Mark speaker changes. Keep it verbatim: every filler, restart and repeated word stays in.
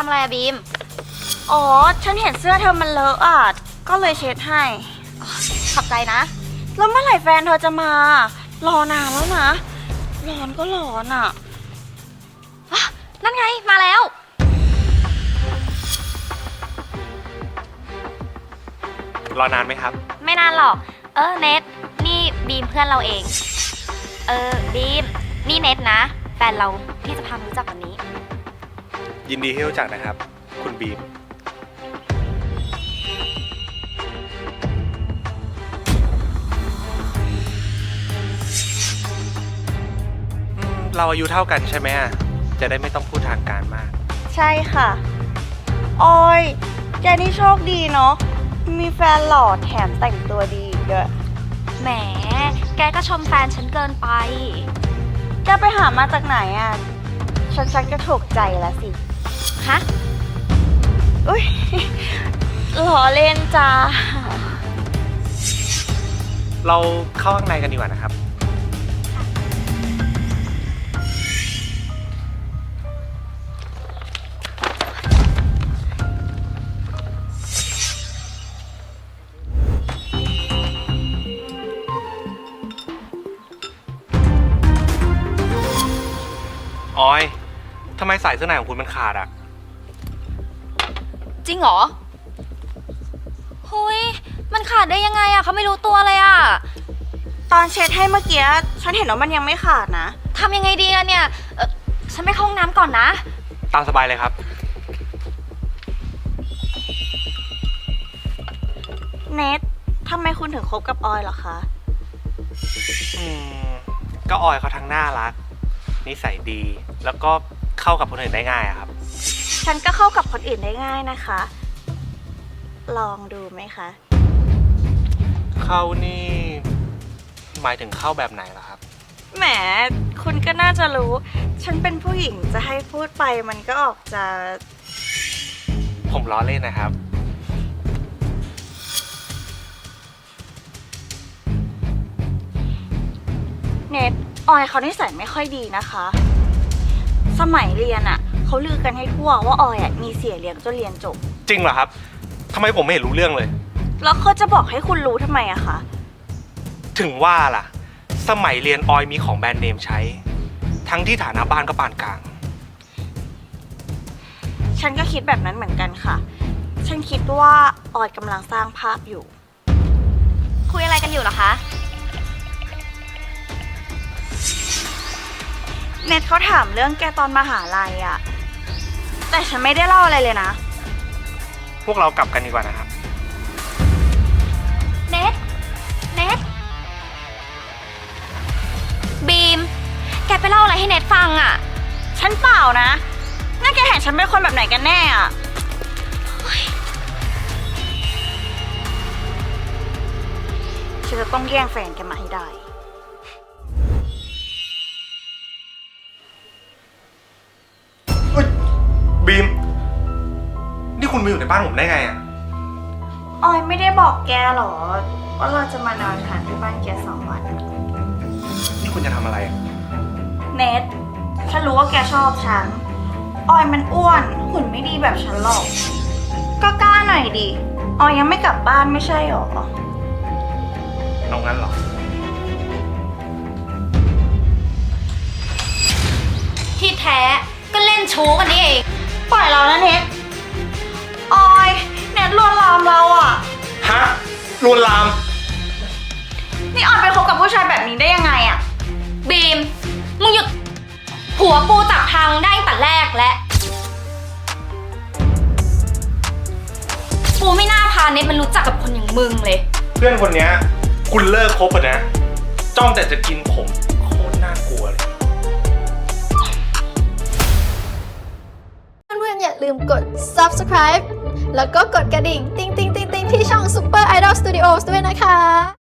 Speaker 1: อะไรอะบีม
Speaker 2: อ๋อฉันเห็นเสื้อเธอมันเลอะอ่ะก็เลยเช็ดให้
Speaker 1: ขอบใจนะ
Speaker 2: แล้วเมื่อไหร่แฟนเธอจะมารอนานแล้วนะร้อนก็ร้อนอ่ะ
Speaker 1: นั่นไงมาแล้ว
Speaker 3: รอนานไหมครับ
Speaker 1: ไม่นานหรอกเออเนทนี่บีมเพื่อนเราเองเออบีมนี่เนทนะแฟนเราที่จะพามารู้จักวันนี้
Speaker 3: ยินดีที่รู้จักนะครับคุณบีมเราอายุเท่ากันใช่ไหมจะได้ไม่ต้องพูดทางการมาก
Speaker 2: ใช่ค่ะออยแกนี่โชคดีเนาะมีแฟนหล่อแถมแต่งตัวดีด้วย
Speaker 1: แหมแกก็ชมแฟนฉันเกินไป
Speaker 2: แกไปหามาจากไหนอ่ะฉันชักจะถูกใจแล้วสิ
Speaker 1: ฮะ
Speaker 2: อุ้ยหล่อเล่นจ้า
Speaker 3: เราเข้าข้างในกันดีกว่านะครับออยทำไมสายเสื้อในของคุณมันขาดอ่ะ
Speaker 1: จริงเหรอหุยมันขาดได้ยังไงอะเขาไม่รู้ตัวเลยอะ
Speaker 2: ตอนเช็ดให้เมื่อกี้ฉันเห็นว่ามันยังไม่ขาดนะ
Speaker 1: ทำยังไงดีอะเนี่ยเออฉันไปเข้าห้องน้ำก่อนนะ
Speaker 3: ตามสบายเลยครับ
Speaker 2: เนททำไมคุณถึงคบกับออยเหรอคะ
Speaker 3: อืมก็ออยเขาทั้งน่ารักนิสัยดีแล้วก็เข้ากับคนอื่นได้ง่ายอะครับ
Speaker 2: ฉันก็เข้ากับคนอื่นได้ง่ายนะคะลองดูไหมคะ
Speaker 3: เข้านี่หมายถึงเข้าแบบไหนล่ะครับ
Speaker 2: แหมคุณก็น่าจะรู้ฉันเป็นผู้หญิงจะให้พูดไปมันก็ออกจะ
Speaker 3: ผมล้อเล่นนะครับ
Speaker 2: เนทออยเขานิสัยไม่ค่อยดีนะคะสมัยเรียนอ่ะเขาลือกันให้ทั่วว่าออยอ่ะมีเสียเลี้ยงจนเรียนจบ
Speaker 3: จริงเหรอครับทำไมผมไม่เห็นรู้เรื่องเลย
Speaker 2: แล้วเขาจะบอกให้คุณรู้ทำไมอะคะ
Speaker 3: ถึงว่าล่ะสมัยเรียนออยมีของแบรนด์เนมใช้ทั้งที่ฐานะบ้านก็ปานกลาง
Speaker 2: ฉันก็คิดแบบนั้นเหมือนกันค่ะฉันคิดว่าออยกำลังสร้างภาพอยู่
Speaker 1: คุยอะไรกันอยู่เหรอคะ
Speaker 2: เน็ตเขาถามเรื่องแกตอนมหาลัยอะแต่ฉันไม่ได้เล่าอะไรเลยนะ
Speaker 3: พวกเรากลับกันดีกว่านะครับ
Speaker 1: เนทเนทบีมแกไปเล่าอะไรให้เนทฟังอะ
Speaker 2: ฉันเปล่านะนั่นแกเห็นฉันเป็นคนแบบไหนกันแน่อะฉันจะต้องแย่งแฟนแกมาให้ได้
Speaker 3: บีมนี่คุณมาอยู่ในบ้านผมได้ไงอ่ะ
Speaker 2: ออยไม่ได้บอกแกหรอว่าเราจะมานอนค้างที่บ้านแกสองวัน
Speaker 3: นี่คุณจะทำอะไร
Speaker 2: เนทฉันรู้ว่าแกชอบฉันออยมันอ้วนหุ่นไม่ดีแบบฉันหรอกก็กล้าหน่อยดิออยยังไม่กลับบ้านไม่ใช่หรอ
Speaker 3: เอางั้นหรอ
Speaker 1: ที่แท้ก็เล่นชู้กันนี่เอง
Speaker 2: ปล่อยเรานะเน็ตออยเน็ตลวนลามเราอะ
Speaker 3: ฮะลวนลาม
Speaker 2: นี่ออยไปคบกับผู้ชายแบบนี้ได้ยังไงอะ
Speaker 1: บีมมึงหยุดหัวปูจับทางได้ตั้งแต่แรกและปูไม่น่าพาเน็ตมันรู้จักกับคนอย่างมึงเลย
Speaker 3: เพื่อนคนนี้คุณเลิกคบอ่ะนะจ้องแต่จะกินผมโคตรน่ากลัวเลย
Speaker 4: เพื่อนๆอย่าลืมกด ซับสไครบ์ แล้วก็กดกระดิ่ง ติ๊งติ๊งติ๊งติ๊งที่ช่อง Super Idol Studios ด้วยนะคะ